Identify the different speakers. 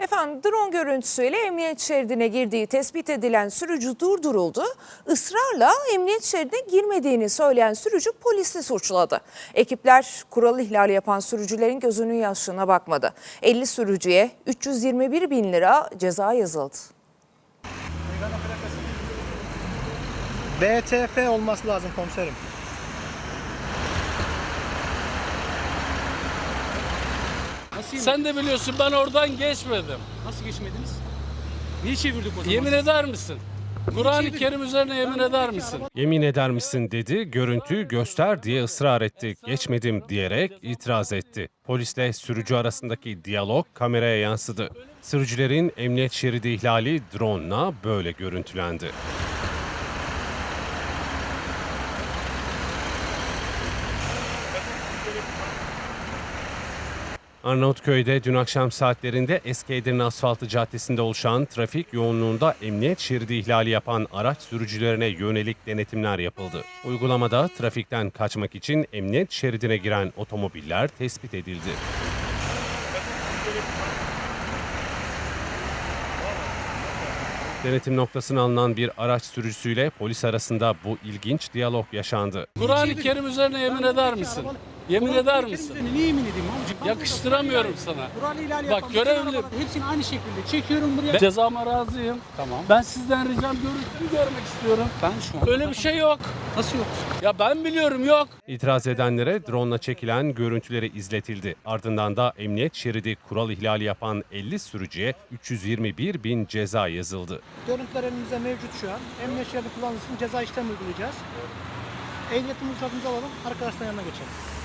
Speaker 1: Efendim drone görüntüsüyle emniyet şeridine girdiği tespit edilen sürücü durduruldu. Israrla emniyet şeridine girmediğini söyleyen sürücü polisi suçladı. Ekipler kural ihlali yapan sürücülerin gözünün yaşına bakmadı. 50 sürücüye 321 bin lira ceza yazıldı.
Speaker 2: BTF olması lazım komiserim.
Speaker 3: Sen de biliyorsun ben oradan geçmedim.
Speaker 4: Nasıl geçmediniz? Niye çevirdik o zaman?
Speaker 3: Yemin eder misin? Kur'an-ı Kerim üzerine yemin eder misin?
Speaker 5: Yemin eder misin dedi, görüntü göster diye ısrar etti. Geçmedim diyerek itiraz etti. Polisle sürücü arasındaki diyalog kameraya yansıdı. Sürücülerin emniyet şeridi ihlali drone'la böyle görüntülendi. Arnavutköy'de dün akşam saatlerinde Eski Edirne Asfaltı Caddesi'nde oluşan trafik yoğunluğunda emniyet şeridi ihlali yapan araç sürücülerine yönelik denetimler yapıldı. Uygulamada trafikten kaçmak için emniyet şeridine giren otomobiller tespit edildi. Denetim noktasına alınan bir araç sürücüsüyle polis arasında bu ilginç diyalog yaşandı.
Speaker 3: Kur'an-ı Kerim üzerine yemin eder misin? Yemin eder misin?
Speaker 4: Niye yemin edeyim amcım?
Speaker 3: Yakıştıramıyorum sana.
Speaker 4: Kural ihlali
Speaker 3: Bak,
Speaker 4: yapan
Speaker 3: görevli.
Speaker 4: bütün arabaları hepsini aynı şekilde çekiyorum buraya.
Speaker 3: Ben cezama razıyım.
Speaker 4: Tamam.
Speaker 3: Ben sizden ricam görüntüyü görmek istiyorum.
Speaker 4: Ben şu an...
Speaker 3: Öyle bir şey yok.
Speaker 4: Nasıl yok?
Speaker 3: Ya ben biliyorum yok.
Speaker 5: İtiraz edenlere drone'la çekilen görüntüleri izletildi. Ardından da emniyet şeridi kural ihlali yapan 50 sürücüye 321 bin ceza yazıldı.
Speaker 2: Görüntüler elimizde mevcut şu an. Emniyet şeridi kullanılsın, ceza işlemi uygulayacağız. Ehliyetimizi ruhsatımızı alalım, arkadaşların yanına geçelim.